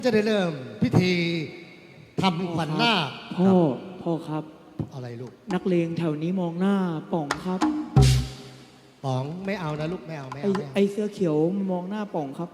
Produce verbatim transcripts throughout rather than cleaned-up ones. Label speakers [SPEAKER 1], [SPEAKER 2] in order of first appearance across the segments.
[SPEAKER 1] จะได้เริ่มพิธีทำขวัญนาค
[SPEAKER 2] พ่อพ่อครับ
[SPEAKER 1] อะไรลูก
[SPEAKER 2] นักเลงแถวนี้มองหน้าป๋องครับ
[SPEAKER 1] ป๋องไม่เอานะลูกไม่เอาไม่
[SPEAKER 2] ไอ
[SPEAKER 1] เอา
[SPEAKER 2] ไอเสื้อเขียวมองหน้าป๋องครับ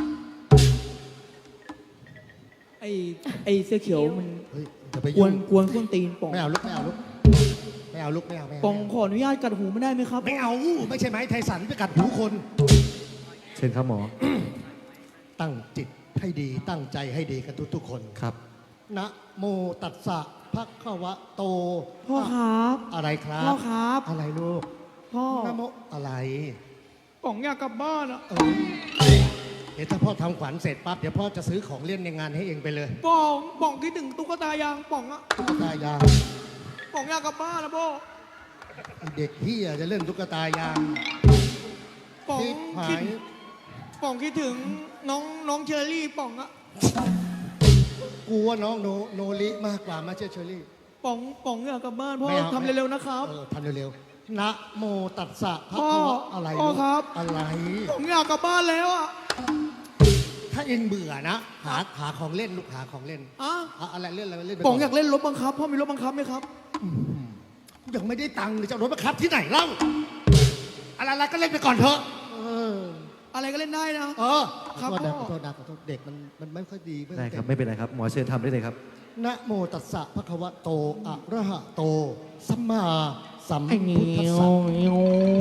[SPEAKER 2] ไอไอเสื้อเขียวมัน
[SPEAKER 1] เฮ้ยจะไป
[SPEAKER 2] กว
[SPEAKER 1] ยุ่
[SPEAKER 2] น
[SPEAKER 1] ง
[SPEAKER 2] กวนส้นตีนป๋อง
[SPEAKER 1] ไม่เอาลูกไม่เอาลูกไม่เอาลูกไม่เอาไม่เอา
[SPEAKER 2] ป๋องขออนุญาตกัดหูไม่ได้ไหมครับ
[SPEAKER 1] ไม่เอาไม่ใช่ไหมไทสันไปกัดหูคน
[SPEAKER 3] เชิญครับหมอ
[SPEAKER 1] ตั้งจิตให้ดีตั้งใจให้ดีกันทุกๆคน
[SPEAKER 3] ครับ
[SPEAKER 1] นะโมตัสสะภะคะวะโต
[SPEAKER 2] พ่อครับ
[SPEAKER 1] อะไรครับ
[SPEAKER 2] พ่อครับ
[SPEAKER 1] อะไรลูก
[SPEAKER 2] พ่อ
[SPEAKER 1] นะโมอะไร
[SPEAKER 2] ป๋องอยากกลับบ้านอะ
[SPEAKER 1] เออเดี๋ยวถ้าพ่อทำขวัญเสร็จปั๊บเดี๋ยวพ่อจะซื้อของเล่นในงานให้เองไปเลย
[SPEAKER 2] ป๋องป๋องคิดถึงตุ๊กตายางป๋องอะ
[SPEAKER 1] ตุ๊กตายาง
[SPEAKER 2] ป๋องอยากกลับบ้านนะพ่อ
[SPEAKER 1] ไอ้เด็กเฮียจะเล่นตุ๊กตายาง
[SPEAKER 2] ป๋อง
[SPEAKER 1] ที่หา
[SPEAKER 2] คิด
[SPEAKER 1] ย
[SPEAKER 2] ป๋องคิดถึงน้องน้องเชอรี่ป๋องอะ
[SPEAKER 1] กูว่าน้องโนโนริมากกว่ามาเชอเชอรี่
[SPEAKER 2] ป๋องป๋องอยากกลับบ้านพ่อ
[SPEAKER 1] ไม่เอา
[SPEAKER 2] ทำเร็วๆนะครับ
[SPEAKER 1] เออทำเร็วๆนะโมตัสสะภะ
[SPEAKER 2] พ่อ
[SPEAKER 1] คะวะอะไร
[SPEAKER 2] พ่อ
[SPEAKER 1] ลูก
[SPEAKER 2] ครับ
[SPEAKER 1] อะไร
[SPEAKER 2] ผมอยากกลับบ้านแล้วอะ
[SPEAKER 1] ถ้าเองเบื่อนะหาหาของเล่นลูกหาของเล่น
[SPEAKER 2] อะ
[SPEAKER 1] หาอะไรเล่นอะไรเล่นไป
[SPEAKER 2] ป๋องอยากเล่นรถบังคับพ่อมีรถบังคับไหมครับ
[SPEAKER 1] ยังไม่ได้ตังค์เลยจะเอารถมาขับที่ไหนเล่าอะไรๆก็เล่นไปก่อนเถอะเออ
[SPEAKER 2] อะไรก็เล่นได้นะ
[SPEAKER 1] เออ
[SPEAKER 2] ครับ
[SPEAKER 1] ขอโทษนะ
[SPEAKER 2] พ่อ
[SPEAKER 1] ขอโทษนะขอโทษเด็กมันมันไม่ค่อยดี
[SPEAKER 3] ได้ครับไม่เป็นไรครับหมอเชิญทำได้เลยครับ
[SPEAKER 1] นะโมตัสสะภะคะวะโตอะระหะโตสัมมาสัม
[SPEAKER 2] ไอ้เงี้
[SPEAKER 1] พุทธัส
[SPEAKER 2] ย
[SPEAKER 1] สะ
[SPEAKER 2] เงี้ย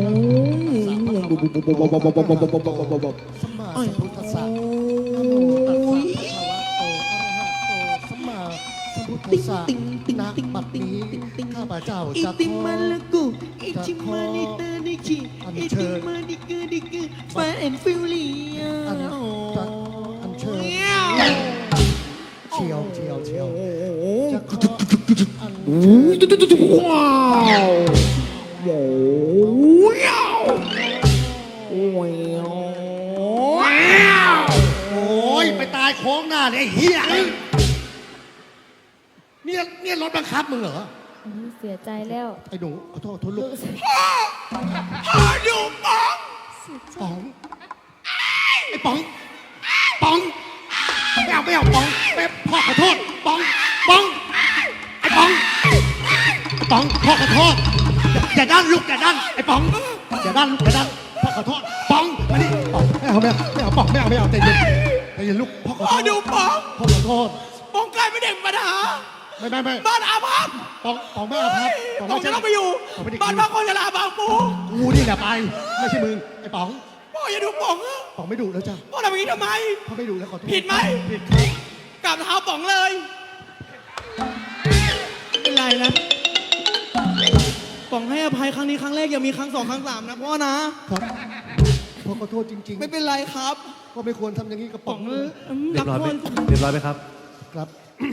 [SPEAKER 1] สัมมาสัมพุทธัสสะนะโมตัสสะภะคะวะโตอะระหะโตสัมมาสัมพุทธัสสะณบัดนี้ข้าพเจ้า
[SPEAKER 2] อิ
[SPEAKER 1] จะ
[SPEAKER 2] ติ
[SPEAKER 1] ขอ
[SPEAKER 2] มาลกูอิติมาลิเตอร์นิชิอิติมาดิกดิกฟาแอนฟิลเลีย
[SPEAKER 1] อันจะอันเชิญเชียวเชียวเชียวจะขออันเชิญ
[SPEAKER 2] ว้าวว้าวว้าว
[SPEAKER 1] โอ้ยไปตายโค้งหน้าเลยไอ้เฮียเนี่ยเนี่ยรถบังคับมึงเหรอ
[SPEAKER 4] อุ๊ยเสียใจแล้ว
[SPEAKER 1] ไอ้หนูขอโทษโทษลูก
[SPEAKER 2] พ่ออยู่ป๋อง
[SPEAKER 1] ป๋องไอ้ป๋องป๋องไม่เอาไม่เอาป๋องไม่พ่อขอโทษป๋องป๋องไอ้ป๋องไอ้ป๋องพ่อขอโทษอย่าอย่าด้านลูกอย่าด้านไอ้ป๋องอย่าด้านลูกอย่าด้านพ่อขอโทษป๋องมาดิป๋องไม่เอาไม่เอาไม่เอาป๋องไม่เอาไม่เอาใจเย็นใจเย็นลูกพ่อขอ
[SPEAKER 2] พ่อ
[SPEAKER 1] โทษ
[SPEAKER 2] ดูป๋อง
[SPEAKER 1] พ่อขอโทษ
[SPEAKER 2] ป๋องกลายเป็นเด็กปัญหา
[SPEAKER 1] ไม่ไม่ไม่
[SPEAKER 2] บ้านอาภัพ
[SPEAKER 1] ป๋องป๋องไม่เอาครับ
[SPEAKER 2] ป๋องจะต้องไปอยู่
[SPEAKER 1] ป๋องไม่ได้
[SPEAKER 2] บ้านพักคนชราบางปู
[SPEAKER 1] กูนี่แหละไปไม่ใช่มึงไอ้ป๋อง
[SPEAKER 2] พ่ออย่าดูป๋องอะ
[SPEAKER 1] ป๋องไม่ดุแล้วจ้ะ
[SPEAKER 2] พ่อทำอย่างนี้ทำไม
[SPEAKER 1] พ่อไม่ดุแล้วขอโทษ
[SPEAKER 2] ผิดไหม
[SPEAKER 1] ผิดครับ
[SPEAKER 2] กราบเท้าป๋องเลยไม่เป็นไรนะป๋องให้อภัยครั้งนี้ครั้งแรกอย่ามีครั้งสองครั้งสามนะพ่อนะครับ
[SPEAKER 1] พ่อขอโทษจริงๆ
[SPEAKER 2] ไม่เป็นไรครับ
[SPEAKER 1] พ่อไม่ควรทำอย่างนี้กับป๋
[SPEAKER 2] ป๋
[SPEAKER 1] อ
[SPEAKER 2] อง ง
[SPEAKER 1] เลย
[SPEAKER 3] เรียบร้อยไหม
[SPEAKER 2] รักพ่
[SPEAKER 3] เรียบร้อยไหมครับ
[SPEAKER 1] ครับ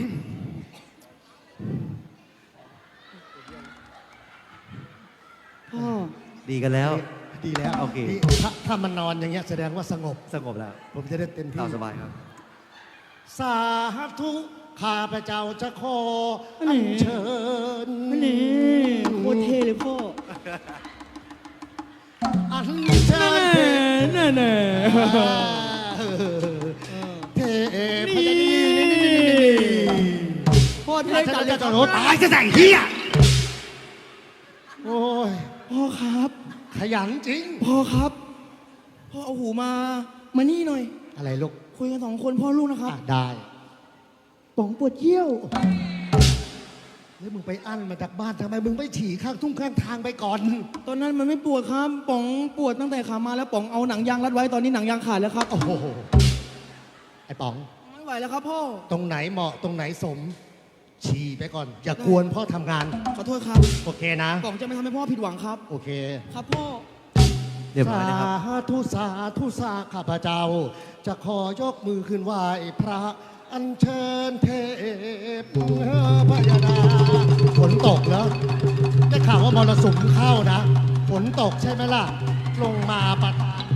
[SPEAKER 2] พ่อ
[SPEAKER 3] ดีกันแล้ว
[SPEAKER 1] ดีแล้ว
[SPEAKER 3] โอเค
[SPEAKER 1] ดีถ้าถ้ามันนอนอย่างเงี้ยแสดงว่าสงบ
[SPEAKER 3] สงบแล้ว
[SPEAKER 1] ผมจะได้เต็มที่
[SPEAKER 3] ตามสบายครับ
[SPEAKER 1] สาธุข้าพเจ้าจะขอ
[SPEAKER 2] อัน
[SPEAKER 1] อั
[SPEAKER 2] นี้
[SPEAKER 1] ญเชิญ
[SPEAKER 2] นี่โคตรเท่เลยพ่อ
[SPEAKER 1] อัญเชิญ
[SPEAKER 2] แน่แน่
[SPEAKER 1] เทพยนี
[SPEAKER 2] พ่อเท่
[SPEAKER 1] จะ
[SPEAKER 2] จัดเล
[SPEAKER 1] จะ
[SPEAKER 2] ยค
[SPEAKER 1] จะ
[SPEAKER 2] รับ
[SPEAKER 1] รถตายจะใส่เฮียโอ้ย
[SPEAKER 2] พ่อครับ
[SPEAKER 1] ขยันจริง
[SPEAKER 2] พ่อครับ พ่อเอาหูมา มานี่หน่อย
[SPEAKER 1] อะไรลูก
[SPEAKER 2] คุยกันสองคนพ่อลูกนะครับ
[SPEAKER 1] อ่ะได้
[SPEAKER 2] ป๋องปวดเยี่ยว
[SPEAKER 1] แล้วมึงไปอั้นมาจากบ้านทำไมมึงไม่ฉี่ข้างทุ่งข้างทางไปก่อน
[SPEAKER 2] ตอนนั้นมันไม่ปวดครับ ป๋องปวดตั้งแต่ขามาแล้วป๋องเอาหนังยางรัดไว้ ตอนนี้หนังยางขาดแล้วครับ
[SPEAKER 1] โอ้โหไอ้ป๋อง
[SPEAKER 2] ไม่ไหวแล้วครับพ่อ
[SPEAKER 1] ตรงไหนเหมาะตรงไหนสม ฉี่ไปก่อน อย่ากวนพ่อทำงาน
[SPEAKER 2] ขอโทษครับ
[SPEAKER 1] โอเคนะ
[SPEAKER 2] ป๋องจะไม่ทำให้พ่อผิดหวังครับ
[SPEAKER 1] โอเค
[SPEAKER 2] ครับพ่อ
[SPEAKER 3] เรียบร้อยนะครับ
[SPEAKER 1] สาธุสาธุสาข้าพเจ้า จะขอยกมือขึ้นไหว้พระ อัญเชิญเทพพยดาฝนตกแล้วได้ข่าวว่ามรสุมเข้านะ ฝนตกใช่ไหมล่ะ ลงมาประทาน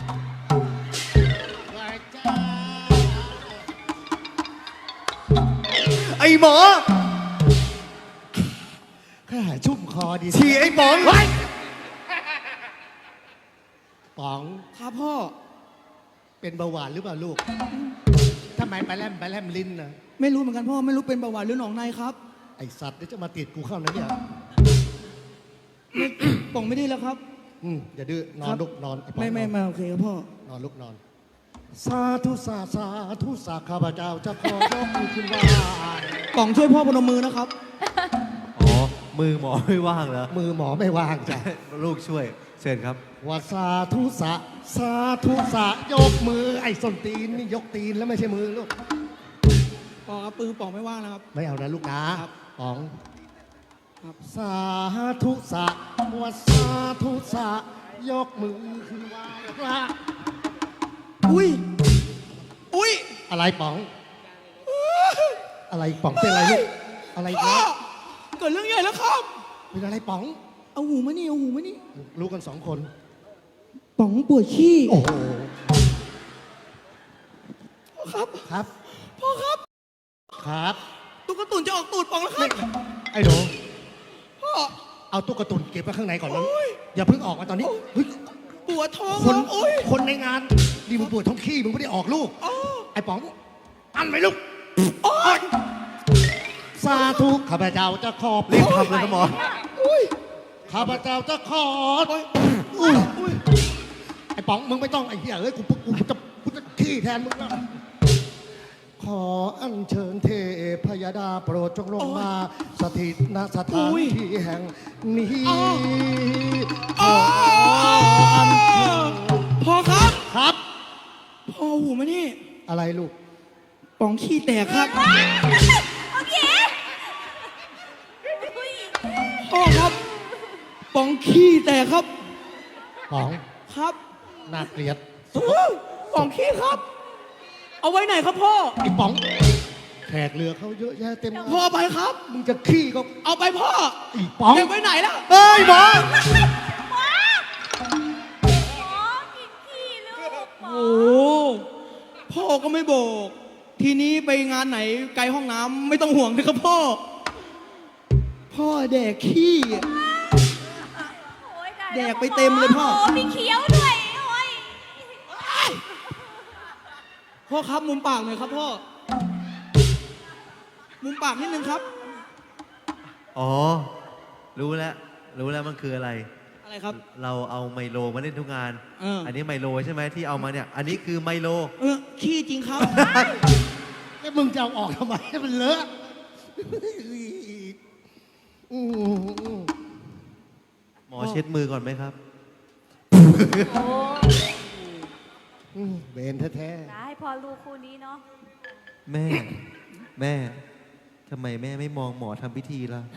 [SPEAKER 1] ไอ้หมอข้าชุ่มคอดี
[SPEAKER 3] ฉี่ไอ้ป๋อง
[SPEAKER 1] เฮ้ยป๋อง
[SPEAKER 2] ครับพ่อ
[SPEAKER 1] เป็นเบาหวานหรือเปล่าลูก ถ้าไมไปแลมไปแลมลิ้นนะ
[SPEAKER 2] ไม่รู้เหมือนกันพ่อไม่รู้เป็นเบาหวานหรือหนองในครับ
[SPEAKER 1] ไอสัตว์เดี๋ยวจะมาติดกูเข้านะเนี่ย
[SPEAKER 2] ไม่ป๋องไม่ได้แล้วครับ
[SPEAKER 1] อืมอย่าดื้อนอนลุกนอนอ้ป๋อง
[SPEAKER 2] ไม่ไม่
[SPEAKER 1] นอน
[SPEAKER 2] ไม่โอเคครับพ่อน
[SPEAKER 1] อนลุกนอน สาธุสาสาธุสาข้าพเจ้าจะขอยกมือขึ้นไหว้
[SPEAKER 2] ป๋องช่วยพ่อพนมมือนะครับ
[SPEAKER 3] อ๋อ มือหมอไม่ว่างเหรอ
[SPEAKER 1] มือหมอไม่ว่างจ้ะ
[SPEAKER 3] ลูกช่วย เชิญครับ
[SPEAKER 1] ว่าสาธุสาสาธุสายกมือไอ้ส้นตีนนี่ยกตีนแล้วไม่ใช่มือลูก
[SPEAKER 2] ป๋องครับปือป๋องไม่ว่างนะครับ
[SPEAKER 1] ไม่เอานะลูกนะครับ ป๋อง
[SPEAKER 2] ครับ
[SPEAKER 1] สาธุสะว่าสาธุสะยกมือขึ้นไหว้พระ
[SPEAKER 2] อุ้ยอุ้ย
[SPEAKER 1] อะไรป๋อง อะไรป๋องเป็นอะไรลูกอะไรอีก
[SPEAKER 2] พ่อ
[SPEAKER 1] แล้ว
[SPEAKER 2] เกิดเรื่องใหญ่แล้วครับ
[SPEAKER 1] เป็นอะไรป๋อง
[SPEAKER 2] เอาหูมานี่เอาหูมานี่
[SPEAKER 1] รู้กันสองคน
[SPEAKER 2] ป๋องปวดขี้
[SPEAKER 1] โอ้โห
[SPEAKER 2] ครับ
[SPEAKER 1] ครับ
[SPEAKER 2] พ่อครับ
[SPEAKER 1] ครับ
[SPEAKER 2] ตุ๊กตุนจะออกตูดป๋องแล้วครับ
[SPEAKER 1] ไอ้หนู
[SPEAKER 2] พ่อ
[SPEAKER 1] เอาตุ๊กตุนเก็บไว้ข้างในก่อนนะ
[SPEAKER 2] โอ้ย
[SPEAKER 1] อย่าเพิ่งออกมาตอนนี้เฮ้ย
[SPEAKER 2] ปวดท้อง
[SPEAKER 1] คน
[SPEAKER 2] โอ้ย
[SPEAKER 1] คนในงานดีมึงปวดท้องขี้มึงไม่ได้ออกลูก
[SPEAKER 2] อ๋อ
[SPEAKER 1] ไอ้ป๋อง อันไหมลูก
[SPEAKER 2] โอ้ย
[SPEAKER 1] สาธุข้าพเจ้าจะขอบ
[SPEAKER 3] รีบทำเลยนะหมอ
[SPEAKER 2] อุ้ย
[SPEAKER 1] ข้าพเจ้าจะขออุ้ยอุ้ยไอ้ป๋องมึงไม่ต้องไอ้เหี้ยเอ้ยกูกูกูจะกูจะขี้แทนมึงแล้วขออัญเชิญเทพยดาโปรดจงลงมาสถิตณสถานที่แห่งนี้ขออัญเชิญ
[SPEAKER 2] พ่อครับ
[SPEAKER 1] ครับ
[SPEAKER 2] พ่อหูมานี่
[SPEAKER 1] อะไรลูก
[SPEAKER 2] ป๋องขี้แตกครับ
[SPEAKER 5] โอเค
[SPEAKER 2] พ่อครับป๋องขี้แตกครับ
[SPEAKER 1] ป๋อง
[SPEAKER 2] ครับ
[SPEAKER 1] น่าเกลียด
[SPEAKER 2] ป๋องขี้ครับ เอาไว้ไหนครับพ่อ
[SPEAKER 1] ไอ้ป๋องแขกเรือเขาเยอะแยะเต็ม
[SPEAKER 2] พ่อไปครับ
[SPEAKER 1] มึงจะขี้ก็
[SPEAKER 2] เอาไปพ่อ
[SPEAKER 1] ไอ้ป๋อง
[SPEAKER 2] เก็บไว้ไหนล่ะ
[SPEAKER 1] เอ้ยหมอ
[SPEAKER 5] หมอกินขี้ลูกหมอ
[SPEAKER 2] โอ้พ่อก็ไม่บอก ทีนี้ไปงานไหนไกลห้องน้ำไม่ต้องห่วงนะครับพ่อ พ่อแดกขี้
[SPEAKER 5] โอ้ยตาย
[SPEAKER 2] แดกไปเต็มเลยพ่อ
[SPEAKER 5] โอ้มีเคี้ยวด้วยโอ้ย
[SPEAKER 2] พ่อครับมุมปากหน่อยครับพ่อ มุมปากนิดนึงครับ
[SPEAKER 3] อ๋อ รู้แล้ว รู้แล้วมันคืออะไร
[SPEAKER 2] อะไรครับ
[SPEAKER 3] เราเอาไมโลมาเล่นทุกงาน
[SPEAKER 2] เอออั
[SPEAKER 3] นนี้ไมโลใช่ไหมที่เอามาเนี่ย อันนี้คือไมโล
[SPEAKER 2] เออขี้จริงครับ
[SPEAKER 1] แล้วมึงจะเอาออกทำไมให้มันเลอะอืม
[SPEAKER 3] หมอเช็ดมือก่อนไหมครับ
[SPEAKER 5] โอ้
[SPEAKER 1] อืมเบนแท้
[SPEAKER 5] ได้พอลูกคู่นี้เนาะ
[SPEAKER 3] แม่ แม่ ทำไมแม่ไม่มองหมอทำพิธีล่ะ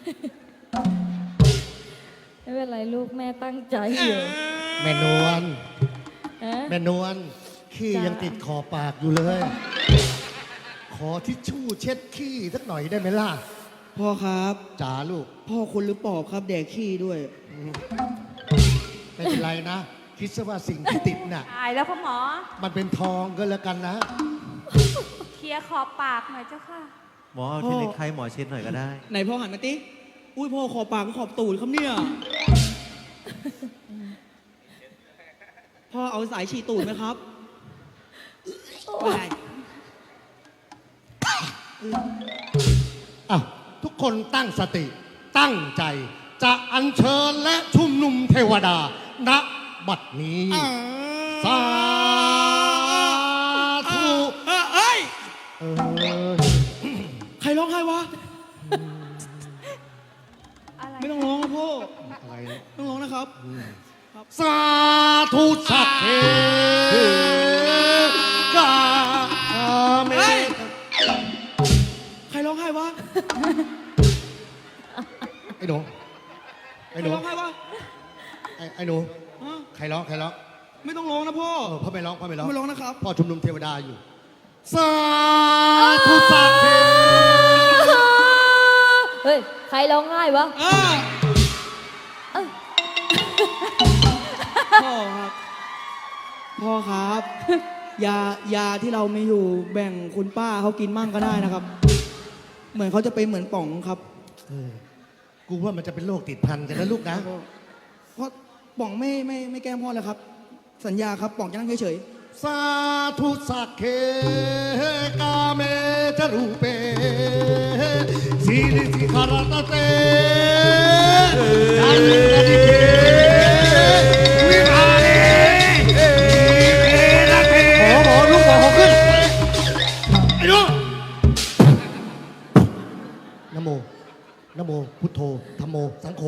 [SPEAKER 4] ไม่เป็นไรลูกแม่ตั้งใจอยู่
[SPEAKER 1] ๆแม่นวล
[SPEAKER 4] ฮะ
[SPEAKER 1] แม่นวลขี้
[SPEAKER 4] จ้ะ
[SPEAKER 1] ยังติดขอบปากอยู่เลย ขอทิชชู่เช็ดขี้สักหน่อยได้ไหมล่ะ
[SPEAKER 2] พ่อครับ
[SPEAKER 1] จ๋าลูก
[SPEAKER 2] พ่อคนหรือปอบครับ แดกขี้ด้วย
[SPEAKER 1] ไม่เป็นไรนะ คิดซะว่าสิ่งที่ติดน่ะ
[SPEAKER 5] ตายแล้วพ่อหมอ
[SPEAKER 1] มันเป็นทองก็แล้วกันนะ
[SPEAKER 5] เคลียร์ขอบปากหน่อยเจ้าค่ะ
[SPEAKER 3] หมอเอา
[SPEAKER 2] พ่อ
[SPEAKER 3] ที่เล็กไข้หมอเช็ดหน่อยก็ได้
[SPEAKER 2] ไหนพ่อหันมาติอุ้ยพ่อขอบปากก็ขอบตูดครับเนี่ย พ่อเอาสายฉีดตูดไหมครับไม่ได้
[SPEAKER 1] อ้าวทุกคนตั้งสติ ตั้งใจ จะอัญเชิญและชุมนุมเทวดา ณ บัดนี้ สาธุ
[SPEAKER 2] เออเอ้ย
[SPEAKER 1] เออ
[SPEAKER 2] ใครร้องไห้วะ
[SPEAKER 5] อะไร
[SPEAKER 2] ไม่ต้องร้องนะพ่อ
[SPEAKER 1] อะไรนะ
[SPEAKER 2] ต้องร้องนะครับ
[SPEAKER 1] สาธุสัพเพกาเม
[SPEAKER 2] เฮ้ย ใครร้องไห้วะ
[SPEAKER 1] ไอ้หนู
[SPEAKER 2] ใคร
[SPEAKER 1] ไอ้หนู
[SPEAKER 2] ร้องไห้วะ
[SPEAKER 1] ไอ้ไอ้หนู
[SPEAKER 2] ฮะ
[SPEAKER 1] ใครร้อง ใครร้อง
[SPEAKER 2] ไม่ต้องร้องนะพ่อ
[SPEAKER 1] เออพ่อไม่ร้อง พ่อไม่ร้อง
[SPEAKER 2] ไม่ร้องนะครับ
[SPEAKER 1] พ่อชุมนุมเทวดาอยู่ สาธุสัพเพ
[SPEAKER 4] เฮ้ย ใครร้องไห้วะ
[SPEAKER 2] เออ
[SPEAKER 4] เอ้ย
[SPEAKER 2] พ่อครับ พ่อครับ ยายาที่เราไม่อยู่แบ่งคุณป้าเขากินมั่งก็ได้นะครับ เหมือนเขาจะเป็นเหมือนป๋องครับ
[SPEAKER 1] เออกูว่ามันจะเป็นโรคติดพันกันนะลูกนะ
[SPEAKER 2] เพราะป๋องไม่ไม่ไม่แกล้งพ่อเลยครับ สัญญาครับป๋องจะนั่งเฉย
[SPEAKER 1] สาธุสักเคกาเมจรูเปสีลิสิคารตเตจันทดิเกวิภาเรเอระเทหมอหมอลูกหมอหอขึ้นไอ้ลูกนะโมนะโมพุทโธธัมโมสังโฆ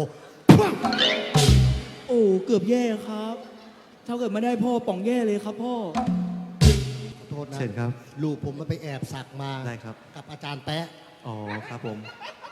[SPEAKER 2] โอ้เกือบแย่ครับ ถ้าเกิดไม่ได้พ่อป่องแย่เลยครับพ่อ
[SPEAKER 1] ขอโทษนะ
[SPEAKER 3] เชิญครับ
[SPEAKER 1] ลูกผมมันไปแอบสักมา
[SPEAKER 3] ได้ครับ
[SPEAKER 1] กับอาจารย์แป๊ะ
[SPEAKER 3] อ๋อครับผม